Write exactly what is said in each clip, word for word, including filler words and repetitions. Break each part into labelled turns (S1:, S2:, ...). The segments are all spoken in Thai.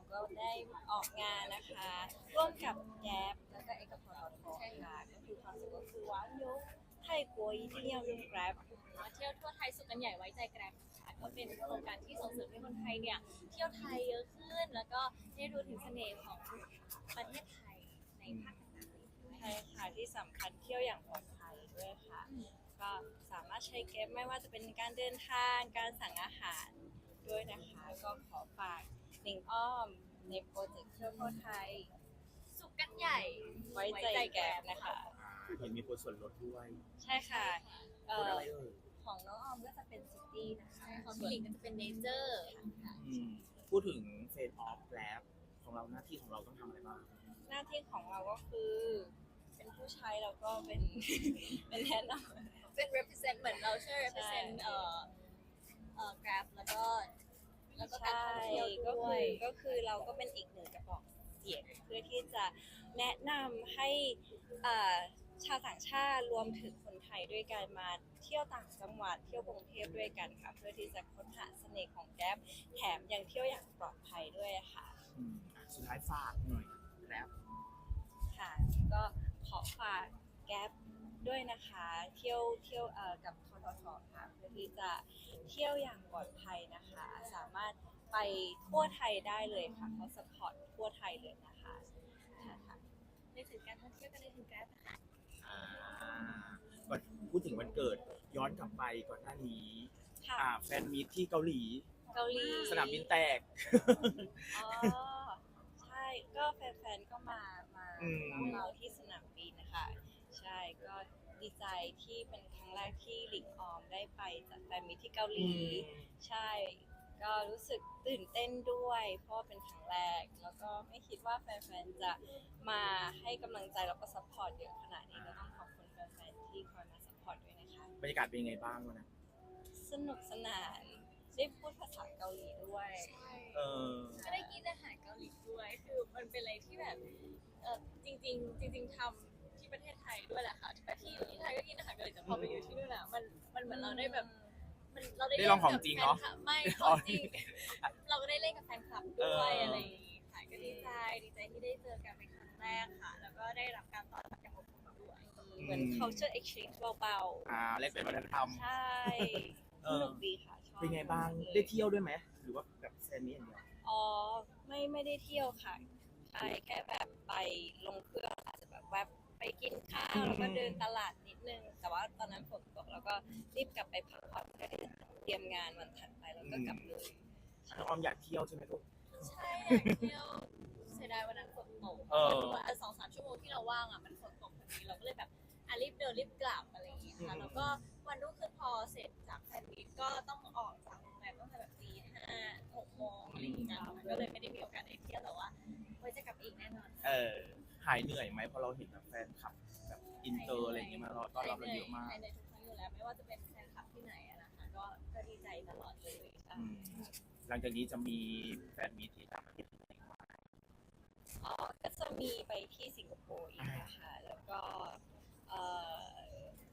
S1: ก็ได้ออกงานนะคะร่วมกับแก๊ปแล้วก็เอกพลทค่ะก็คือคอนเซ็ปต์ก็คือว้าวยุคไทยกัวอีเที่ยวยุคแกร็บ
S2: มาเที่ยวทั่วไทยสุดกันใหญ่ไว้ใจแกร็บค่ะก็เป็นโครงการที่ส่งเสริมให้คนไทยเนี่ยเที่ยวไทยเยอะขึ้น แล้วก็ได้รู้ถึงเสน่ห์ของประเทศไทยในภาคต่างๆ
S1: ใช่ค่ะที่สำคัญเที่ยวอย่างปลอดภัยด้วยค่ะก็สามารถใช้แก๊ปไม่ว่าจะเป็นการเดินทางการสั่งอาหารด้วยนะคะก็ขอฝากหนิงอ้อมในโปรเจกต์เที่ยวทั่วไทย
S2: สุขกันใหญ่
S1: ไว้ใจแก๊ปนะคะ
S3: เห็นมีคนส่วนลดด้วย
S1: ใช่ค่ะเอ่
S3: คน
S1: อ
S3: อะไรเอ่ย
S1: ของน้องออมก็จะเป็นซิตี้นะคะ
S2: ของพี่หลิงก็จะเป็นเนเจอร์ค่ะ
S3: อืมพูดถึงเฟสออฟแล้วของเราหน้าที่ของเราต้องทำอะไรบ้าง
S1: หน้าที่ของเราก็คือ เป็นผู้ใช้แล้วก็เป็น เป็นแนะนำ
S2: เป็น represent เหมือนเราช่วย represent
S1: ใช่
S2: เอ่อเอ่อ Grab แล้วก็แล้วก็การ
S1: ใช่
S2: ท่องเที่ยว
S1: ก็
S2: ด้ว
S1: คื
S2: ย
S1: อก็คือเราก็เป็นอีกหนึ่งกระบอกเสียงเพื่อที่จะแนะนำให้เอ่อชาวต่างชาติรวมถึงคนไทยด้วยกันมาเที่ยวต่างจังหวัดเที่ยวกรุงเทพด้วยกันค่ะเพื่อที่จะค้นหาเสน่ห์ของแก๊ปแถมยังเที่ยวอย่างปลอดภัยด้วยค่ะ
S3: อืมอ่ะสุดท้ายฝากหน่อยแล้ว
S1: ค่ะก็ขอฝากแก๊ปด้วยนะคะเที่ยวเที่ยวเอ่อกับทททค่ะเพื่อที่จะเที่ยวอย่างปลอดภัยนะคะ สามารถไปทั่วไทยได้เลยค่ะเขาสปอร์ตทั่วไทยเลยนะคะค่ะ
S2: ในถึงการท่องเที่ยวก็ในถึง Grab นะคะ
S3: อ่าก่อนพูดถึงวันเกิดย้อนกลับไปก่อนหน้านี้
S1: ค่ะ
S3: อ่าแฟนมีตที่เกาหลี
S1: เกาหลี
S3: สนามบินแตก
S1: อ๋อใช่ก็แฟนๆก็มามา
S3: อืม
S1: รับเราที่สนามบินนะคะใช่ก็ดีใจที่เป็นครั้งแรกที่หลิงออมได้ไปจัดแฟนมิตรที่เกาหลี ใช่ ก็รู้สึกตื่นเต้นด้วย เพราะว่าเป็นครั้งแรก แล้วก็ไม่คิดว่าแฟนๆ จะมาให้กำลังใจแล้วก็ซัพพอร์ตเยอะขนาดนี้ก็ต้องขอบคุณแฟนๆ ที่คอยมาซัพพอร์ตด้วยนะคะ
S3: บรรยากาศเป็นยังไงบ้างวะนะ
S1: สนุกสนาน ได้พูดภาษาเกาหลีด้วย
S3: เออ
S2: ก็ได้กินอาหารเกาหลีด้วย คือมันเป็นอะไรที่แบบเออจริงๆ จริง ๆทำที่ประเทศไทยด้วยแหละค่ะแต่ที่ที่ไทยก็กินอาหารเกาหลีแต่พอไปอยู่ที่นู่นอ่ะมันมันเหมือนเราได้แบบมันเราได้
S3: ได้ลองของจริงเนอะ
S2: ล่กับแฟคลับไม่ของจริง เราก็ได้เล่นกับแฟนคลับด้วย
S3: เอออ
S2: อะไรอย่างงี้ค่ะก็ดีใจดีใจที่ได้เจอกันเป็นครั้งแรกค่ะ แล้วก็ได้รับการต้อนรับอย่างอบอุ่นด้วย
S1: เหมือน culture exchange เบา
S3: อ่าแลกเปลี่ยนวัฒนธรรม
S1: ๆ ใช่
S3: เอ
S1: ส
S3: อ
S1: นุกดีค่ะ ชอบ
S3: เป็นไงบ้าง
S1: มกเลย
S3: ได้เที่ยวด้วยไหมหรือว่าแบบแฟนมีตอย่างเดียว
S1: อ๋อไม่ไม่ได้เที่ยวค่ะใช่แค่แบบไปลงเครื่องอาจจะแบบแวบไปกินข้าวแล้วก็เดินตลาดนิดนึง แต่ว่าตอนนั้นฝนตกแล้วก็รีบกลับไปพักผ่อนเพื่อที่จะเตรียมงานวันถัดไปแล้วก็กลับเลย
S3: น้องออมอยากเที่ยวใช่ไหมลูก
S2: ใช่อยากเที่ยวเสียดายวันนั้นฝนตก
S3: เออ
S2: วันสองสามชั่วโมงที่เราว่างอ่ะมันฝนตกพอดีเราก็เลยแบบอ่ะรีบเดินรีบกลับอะไรอย่างเงี้ยค่ะแล้วก็วันรุ่งขึ้นพอเสร็จจากแฟนมีตก็ต้องออกจากโรงแรมตั้งแต่แบบตีห้าหกโมงอะไรอย่างเงี้ยมันก็เลยไม่ได้มีโอกาสได้เที่ยวแต่ว่าไว้จะกลับอีกแน่นอน
S3: เออหายเหนื่อยไหมเพราะเราเห็นแบบแฟนคลับแบบอินเตอร์อะไรอย่างเงี้ยมารอต้อนรับเราเยอะมาก
S2: ภายในทุกครั้งอยู่แล้วไม่ว่าจะเป็นแฟนคลับที่ไหนอะนะคะก็ก็ดีใจตลอดเลยค่ะ
S3: อืมหลังจากนี้จะมีแฟนมีตที่ต่างประเทศอีกไหม
S1: อ๋อก็จะมีไปที่สิงคโปร์อีกนะคะแล้วก็เอ่อ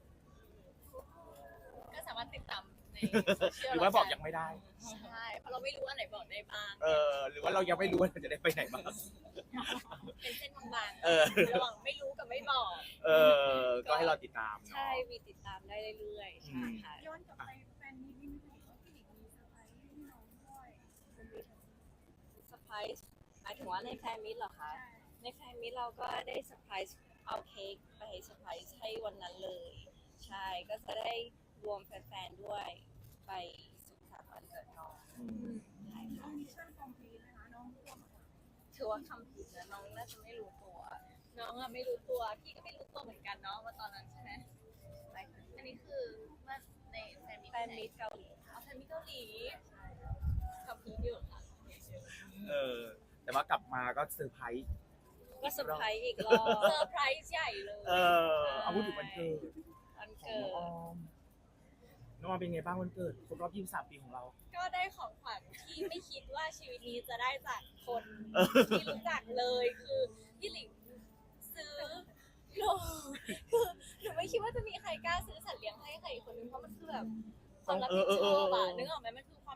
S2: ก็สามารถติดตามในโซเชียล
S3: หรือว่าบอกยังไม่ได้
S2: ใช่เพราะเราไม่รู้อันไหนบอกได้บ้าง
S3: เออ หรือว่าเรายังไม่รู้ว่าเราจะได้ไปไหนบ้าง
S2: เป็นเส้นบางๆ
S3: เออ
S2: ระหว่างไม่รู้กับไม่บอก
S3: เออ ก็ให้เราติดตามเนาะ
S1: ใช่มีติดตามได้เรื่อยๆใช่ค่ะ
S4: ย้อนกลับไปแฟนมีตนี่ไม่รู้ว่าพี่หลิงมีเซอร์ไพรส์ให้น้องด้วย
S1: เซอร์ไพรส์หมายถึงว่าในแฟนมิตรเหรอคะ ในแฟนมิตรเราก็ได้เซอร์ไพรส์เอาเค้กไปเซอร์ไพรส์ให้วันนั้นเลย ใช่ก็จะได้รวมแฟนๆด้วยไปสุขสันต์วันเกิดน้อง
S3: อืม
S1: ใช่ค่ะ
S4: มิชชั่นคอมพลีทนะคะน้องร่วมกับ
S1: ถือว่าคำผิดนะน้องน่าจะไม่รู้ตัว
S2: น้องอะไม่รู้ตัวพี่ก็ไม่รู้ตัวเหมือนกันเนาะว่าตอนนั้นใช่ไหม
S1: ไปค่ะ
S2: อันนี้คือว่าในแฟนมี
S1: แฟนมิตรเกาหลีค่ะ
S2: เอาแฟนมีเกาหลีกับพีอยู่ค่ะ
S3: เออ แต่ว่ากลับมาก็เซอร์ไพรส์
S1: ก็เซอร์ไพรส์อีกรอบ
S2: เซอร์ไพรส์ใหญ่เลย
S3: เออ เอาพูดถึงวันเกิด
S1: วัน
S3: ของ
S1: เกิ
S3: น้องอ
S1: ด
S3: อม น้องออมเป็นไงบ้างวันเกิดครบรอบยี่สิบสามปีของเรา
S2: ก็ได้ของขวัญที่ไม่คิดว่าชีวิตนี้จะได้จากคน
S3: เออ
S2: ที่รู้จักเลยคือพี่หลิงซื้อหนูคือหนูไม่คิดว่าจะมีใครกล้าซื้อสัตว์เลี้ยงให้ใครอีกคนนึงเพราะมันคือแบบความรับผิดชอบอะนึกออกไหมมันคือความ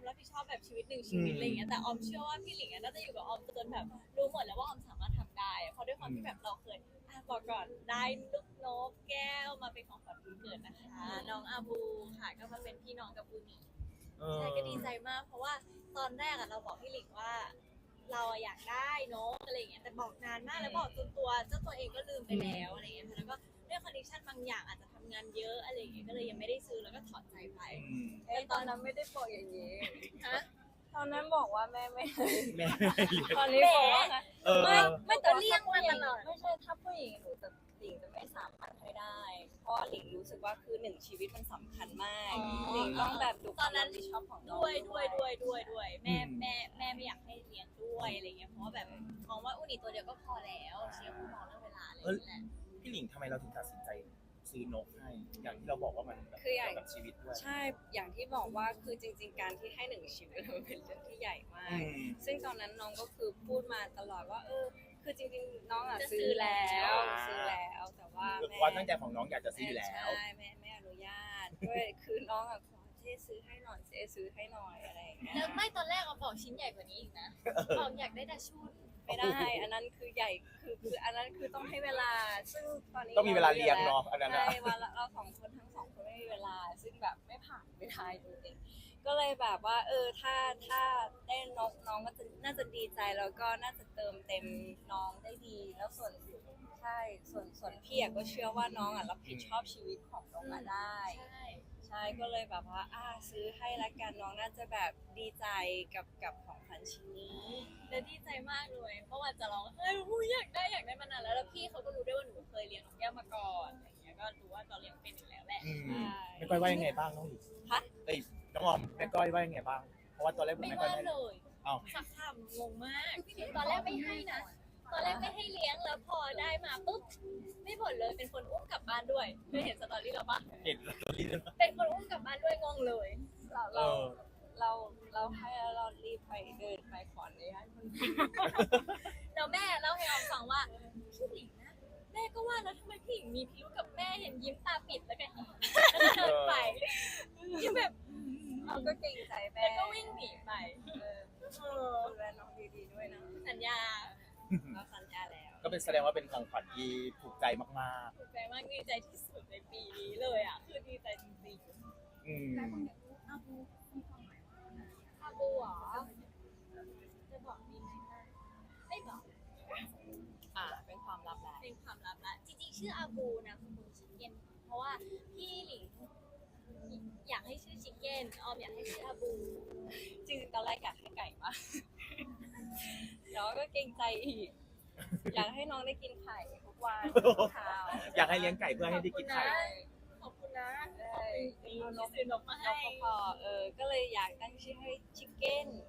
S2: ความรับผิดชอบแบบชีวิตหนึ่งชีวิตอะไรอย่างเงี้ยแต่ออมเชื่อว่าพี่หลิงอะน่าจะอยู่กับออมจนแบบรู้หมดแล้วว่าออมสามารถทำได้อะเพราะด้วยความที่แบบเราเคยอ่ะบอกก่อนได้ลูกนกแก้วมาเป็นของขวัญวันเกิดนะคะน้องอาบูค่ะก็มาเป็นพี่น้องกับบูนี่
S3: เออ
S2: ใช่ก็ดีใจมากเพราะว่าตอนแรกอะเราบอกพี่หลิงว่า เราอะอยากได้นกอะไรอย่างเงี้ยแต่บอกนานมากแล้วบอกจนตัวเจ้าตัวเองก็ลืมไปแล้วอะไรอย่างเงี้ยค่ะแล้วก็ด้วยคอนดิชันบางอย่างอาจจะทำงานเยอะอะไรอย่างเงี้ยก็เลยยังไม่ได้ซื้อแล้วก็ถอดใจไป
S3: อืม
S1: เอ้ยตอนนั้นไม่ได้บอกอย่างนี้
S2: ฮะ
S1: ตอนนั้นบอกว่าแม่ไม่ให้
S3: แม่ไม่ให้เลี้ยง
S1: ตอนนี้บอกว่า
S3: เออ
S2: ไม่ไม่
S1: แต่
S2: แต่
S1: ว่า
S2: เลี่ยงมาตลอด
S1: ไม่ใช่ถ้าผู้หญิงหนูจะหลิงจะไม่สามารถให้ได้ เพราะหลิงรู้สึกว่าคือหนึ่งชีวิตมันสำคัญมาก
S2: อ๋อ
S1: หลิงต้องแบบดู
S2: ตอนนั้น
S1: ความรับผิดชอบของน้อง
S2: ด้วยด้วยด้วยด้วยด้วยแม่
S3: อืม
S2: แม่แม่ไม่อยากให้เลี้ยงด้วยอะไรเงี้ยเพราะว่าแบบมองว่าอุนิตัวเดียวก็พอแล้วเชียร์คุณมองเรื่องเวลาอะไรอย่างเงี้ยแหละ
S3: พี่หลิงทำไมเราถึงตัดสินใจซื้อนกให้ อย่างที่เราบอกว่ามันแบบ
S1: คืออย่าง
S3: เกี่ยวกับชีวิตด้วย
S1: ใช่อย่างที่บอกว่าคือจริง ๆ การที่ให้หนึ่งชีวิตมันเป็นเรื่องที่ใหญ่มา
S3: อื
S1: ก
S3: ม
S1: ซึ่งตอนนั้นน้องก็คือพูดมาตลอดว่าเออคือจริงๆน้องอ่ะ
S2: จะซื้
S1: ซื้
S2: อ
S1: อแล้ว
S3: อ่า
S1: ซื้อแล้วแต่ว่าแม่
S3: ความตั้งใจของน้องอยากจะซื้ออยู่แล้ว
S1: ใช่แม่ไม่อนุญาตด้วยคือน้องอ่ะขอเจ๊ซื้อให้หน่อยเจ๊ซื้อให้หน่อยอะไรอย่างเงี้ย
S2: แล้วไม่ตอนแรกเราบอกชิ้นใหญ่กว่านี้อีกนะบอกอยากได้แต่ชุด
S1: ไม่ได้ อันนั้นคือใหญ่คือคืออันนั้นคือต้องให้เวลา ซึ่งตอนนี้
S3: ต้องมีเวลาเลี้ยงเนาะอันนั้น
S1: ใช่
S3: อะ
S1: วันละเราสองคนทั้งสองคนไม่มีเวลา ซึ่งแบบไม่ผ่านไม่ได้จริงๆก็เลยแบบว่า เออถ้าถ้าได้นกน้องก็จะน่าจะดีใจแล้วก็น่าจะเติมเต็มน้องได้ดี แล้วส่วนใช่ส่วนส่วนพี่อะก็เชื่อว่าน้องอ่ะรับผิดชอบชีวิตของน้องอะได้
S2: ใช่
S1: ใช่ก็เลยแบบว่าอ่าซื้อให้ละกันน้องน่าจะแบบดีใจกับกับของขวัญชิ้นนี้
S2: แล้วดีใจมากเลยเพราะว่าจะร้องเฮ้ยอุ๊ยอยากได้อยากได้มานานแล้วแล้วพี่เขาก็รู้ด้วยว่าหนูเคยเลี้ยงนกแก้วมาก่อนอะไรอย่างเงี้ยก็รู้ว่าเราเลี้ยงเป็นอยู่แล้วแหละ
S3: อืม
S1: ใช่
S3: แม่ก้อยว่ายังไงบ้างน้องหลิง
S1: ฮะ
S3: เอ้ยน้องออมแม่ก้อยว่ายังไงบ้าง เพราะว่าตอนแรกผม
S2: ไม่
S3: แม่ก้อย
S2: ว่า
S3: ไม่
S2: เลย
S3: เอ้า
S2: สักคำงงมาก ตอนแรกไม่ให้นะ ตอนแรกไม่ให้เลี้ยงแล้วพอได้มาปุ๊บไม่บ่นเลยเป็นคนอุ้มกลับบ้านด้วยเคยเห็นสตอรี่เราปะ
S3: เห็นสตอรี่ด้วย
S2: เป็นคนอุ้มกลับบ้านด้วยงงเลย
S1: เรา
S3: เอ
S1: เรา
S3: อ
S1: เราเราให้แล้วเรารีบไปเดินไปขออนุญาตคนอื่น
S2: แล้วแม่เล่าให้ออมฟังว่าพี่หลิงนะแม่ก็ว่าแล้วทำไมพี่หลิงมีพิรุธกับแม่เห็นยิ้มตาปิดแล้วก็ยิ้มเดินไปยิ้มแบบ
S1: เราก็เกรงใจแม่
S2: แล้วก็วิ่งหนีไป
S1: เออ
S2: เออ
S1: ดูแลน้องดีๆด้วยนะ
S2: สัญญา
S1: เราสัญญาแล้ว
S3: ก็เป็นแสดงว่าเป็นของขวัญที่ถูกใจมาก
S2: ถูกใจมากดีใจที่สุดในปีนี้เลยอ่ะคือดีใจจริง
S3: ๆ อืม
S4: แต่คนอยากรู้อาบูมีความหมายว่าอะไร
S2: ๆอาบูเหรอจะบอกดีไหมนะไม่บอก
S1: อ่าเป็นความลับแหละ
S2: เป็นความลับละจริงๆชื่ออาบูนะคุณชิคเก้นเพราะว่าพี่หลิงอยากให้ชื่อชิคเก้นออมอยากให้ชื่ออาบู
S1: จริงๆตอนแรกอยากให้ไก่มากแล้วก็เกรงใจอีก อยากให้น้องได้กินไข่ทุกวันทุกเช้า
S3: อยากให้เลี้ยงไก่เพื่อให้ได้กินไข่
S2: ขอบคุณนะ
S1: ใช่
S2: จริงๆที่ซื้อนกมาให้
S1: เราก็พอเออ ก็เลยอยากตั้งชื่อให้ชิคเก้น